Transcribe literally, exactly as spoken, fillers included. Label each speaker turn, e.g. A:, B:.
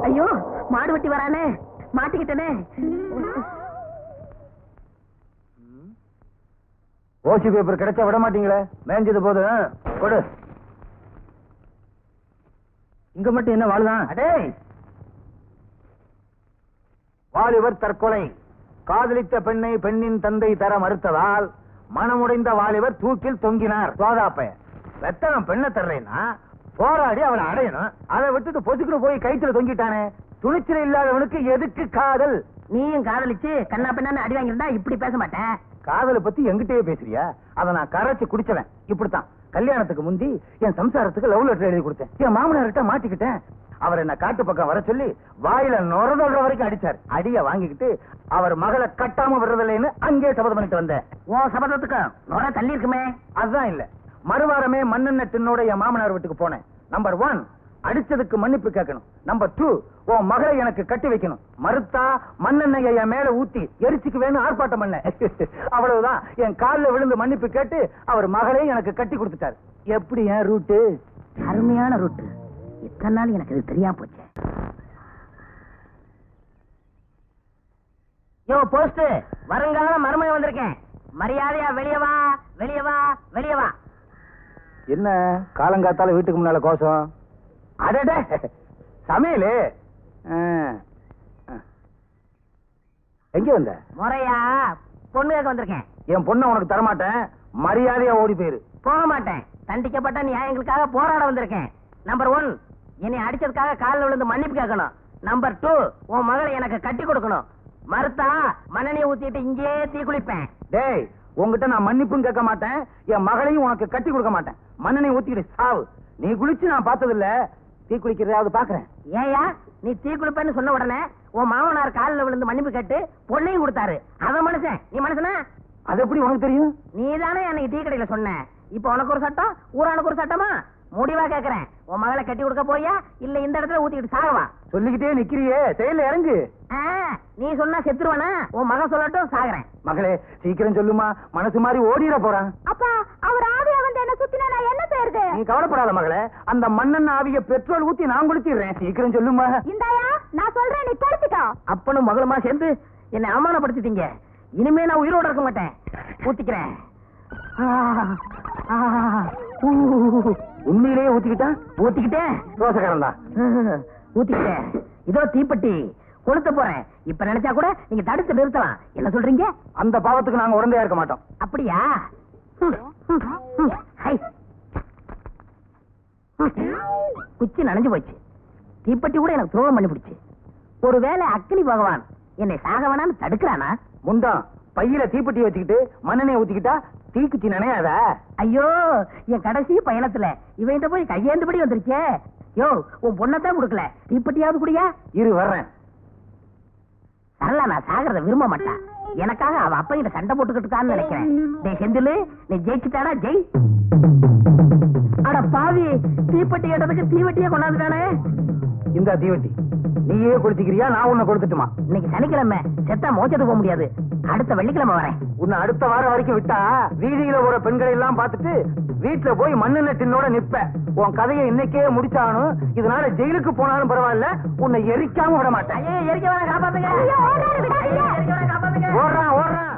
A: ஐயோ மாடு வெட்டி வரானே, மாட்டிக்கிட்டனே.
B: ஓசி பேப்பர் கிடைச்சா விட மாட்டீங்களே, மேஞ்சது போதும் கொடு. இங்க மட்டும் என்ன வாழுதான்? அடே, வாலிபர் தற்கொலை. காதலித்த பெண்ணை பெண்ணின் தந்தை தர மறுத்ததால் மனமுடைந்த வாலிபர் தூக்கில் தொங்கினார். சோதாப்பைய வெத்தனம் பெண்ணை தர்றேன்னா போராடி அவளை அடையணும். அதை விட்டுட்டு பொசுக்குன்னு போய் கைத்துல தொங்கிட்டானே. துணிச்சல் இல்லாதவனுக்கு எதுக்கு காதல்?
A: நீயும் காதலிச்சு கண்ணா பெண்ணான்னு அடி வாங்கியிருந்தா இப்படி பேச மாட்டேன்.
B: காதலை பத்தி எங்கிட்டயே பேசுறியா? அதை நான் கரைச்சு குடிச்சவன். இப்படித்தான் கல்யாணத்துக்கு முந்தி என் சம்சாரத்துக்கு லவ் லெட்டர் எழுதி கொடுத்தேன். என் மாமனார்கிட்ட மாட்டிக்கிட்டேன். அவர் என்ன காட்டு பக்கம் வர சொல்லி வாயில நுரதொல்ற வரைக்கும் அடிச்சார். அடிய வாங்கிக்கிட்டு அவர் மகளை கட்டாம விடுறதில்லைன்னு அங்கே சபதம் பண்ணிட்டு வந்தேன்.
A: உன் சபதத்துக்கு நுர தள்ளி இருக்குமே.
B: அதுதான் இல்ல, மறுவாரமே மண்ணெண்ண டின்னோட என் மாமனார் வீட்டுக்கு போனேன். நம்பர் ஒன், அடிச்சதுக்கு மன்னிப்பு கேட்கணும். நம்பர் டூ, உன் மகளை எனக்கு கட்டி வைக்கணும். மறுத்தா மண்ணெண்ணெயை என் மேல ஊத்தி எரிச்சுக்கு வேணும் ஆர்ப்பாட்டம் பண்ண. அவ்வளவுதான். என் காலில் விழுந்து மன்னிப்பு கேட்டு அவர் மகளையும் எனக்கு கட்டி கொடுத்துட்டார். எப்படி என் ரூட்டு?
A: அருமையான ரூட்டு. இத்தனை நாள் எனக்கு இது தெரியாம போச்சு. யோ போஸ்ட், வருங்கால மருமகன் வந்திருக்கேன். மரியாதையா வெளியே வா, வெளியே வா, வெளியே வா.
B: என்ன காலங்காத்தால வீட்டுக்கு முன்னால கோஷம்? அடடே, சமையலு. எங்க வந்த?
A: முறையா பொண்ணு கேட்க வந்திருக்கேன்.
B: என் பொண்ணை உனக்கு தரமாட்டேன். மரியாதையா ஓடி போயிரு.
A: போக மாட்டேன். தண்டிக்கப்பட்ட நியாயங்களுக்காக போராட வந்திருக்கேன். நம்பர் ஒன், என்னை அடிச்சதுக்காக காலில் விழுந்து மன்னிப்பு கேட்கணும். நம்பர் டூ, உன் மகளை எனக்கு கட்டி கொடுக்கணும். மறுத்தா மண்ணெண்ணெய் ஊத்திட்டு இங்கே தீ குளிப்பேன்.
B: டேய், உங்ககிட்ட நான் மன்னிப்பும் கேட்க மாட்டேன். என் மகளையும் உனக்கு கட்டி கொடுக்க மாட்டேன். மண்ணெண்ணெய் ஊத்திக்கிட்டு சாவு. நீ குளிச்சு நான் பார்த்தது இல்ல, தீ குளிக்கிறதாவது பாக்குறேன்.
A: ஏயா நீ தீ குளிப்பேன்னு சொன்ன உடனே உன் மாமனார் காலில் விழுந்து மன்னிப்பு கேட்டு பொண்ணையும் கொடுத்தாரு. அவன் மனுஷன், நீ மனுஷனா?
B: அது எப்படி உனக்கு தெரியும்?
A: நீ தானே அன்னைக்கு டீ கடையில சொன்ன. இப்ப உனக்கு ஒரு சட்டம், ஊரானுக்கு ஒரு சட்டமா? முடிவா கேக்குறேன், உன் மகளை கட்டி கொடுக்க போயா இல்ல இந்த இடத்துல ஊத்திக்கிட்டு சாகவா?
B: சொல்லிக்கிட்டே நிக்கிறியே, செயல இறங்கு.
A: நீ சொன்னா செத்துருவானா? உன் மகன் சொல்லட்டும், சாகுறேன்.
B: மகளே சீக்கிரம் சொல்லுமா, மனசு மாதிரி ஓடிட போறான்.
C: அப்பா, அவர் ஆவியா வந்து என்ன சுத்தினா நான் என்ன செய்யறது?
B: நீ கவலைப்படாத மகளே, அந்த மண்ணெண்ண ஆவிய பெட்ரோல் ஊத்தி நான் குளிச்சிடுறேன். சீக்கிரம் சொல்லுமா.
C: இந்தாயா நான் சொல்றேன், நீ படுத்துக்கோ.
A: அப்பனும் மகளுமா சேர்ந்து என்னை அவமானப்படுத்திட்டீங்க. இனிமே நான் உயிரோட இருக்க மாட்டேன். ஊத்திக்கிறேன்.
B: உண்மையிலேயே ஊத்திக்கிட்டா?
A: ஊத்திக்கிட்டேன்.
B: தோசைக்காரன் தான்.
A: ஊத்திக்கிட்டேன். இதோ தீப்பெட்டி கொளுத்த போறேன். இப்ப நினைச்சா கூட நீங்க தடுத்து நிறுத்தலாம். என்ன சொல்றீங்க?
B: அந்த பாவத்துக்கு நாங்க உடந்தையா இருக்க மாட்டோம்.
A: அப்படியா? குச்சி நனைஞ்சு போச்சு. தீப்பெட்டி கூட எனக்கு துரோகம் பண்ணி பிடிச்சு. ஒருவேளை அக்னி பகவான் என்னை சாக வேணான்னு தடுக்கிறானா?
B: முண்டம், பையில தீப்பெட்டி வச்சுக்கிட்டு மண்ணெண்ணெய் ஊத்திக்கிட்டா தீக்குச்சி நினையாத.
A: ஐயோ, என் கடைசி பயணத்துல இவன் போய் கையேந்தபடி வந்துருச்சே. யோ, உன் பொண்ணத்தான் கொடுக்கல, தீப்பெட்டியாவது குடியா?
B: இரு வர்றேன்.
A: சரளா நான் சாகிறத விரும்ப மாட்டான். எனக்காக அவ அப்ப கிட்ட சண்டை போட்டுக்கிட்டு இருக்கான்னு நினைக்கிறேன். டேய் செந்திலு, நீ ஜெயிச்சுட்டானா? ஜெய். அட பாவி, தீப்பெட்டி கேட்டதுக்கு தீவெட்டியே கொண்டாந்துட்டானே.
B: இந்த தீவெட்டி நீயே கொடுத்துக்கிறியா, நான் உன்னை கொடுத்துட்டுமா?
A: இன்னைக்கு சனிக்கிழமை, செத்தா மோச்சத்துக்கு போக முடியாது. அடுத்த வெள்ளிக்கிழமை வரேன்.
B: உன்னை அடுத்த வாரம் வரைக்கும் விட்டா வீதியில ஒரு பெண்களை எல்லாம் பார்த்துட்டு வீட்டுல போய் மண்ணெண்ண டின்னோட நிப்ப. உன் கதையை இன்னைக்கே முடிச்சானும். இதனால ஜெயிலுக்கு போனாலும் பரவாயில்ல, உன்னை எரிக்காம விட மாட்டேன்.
A: எரிக்க வேணா, காப்பாத்துங்க.
B: ஓடுறான் ஓடுறான்.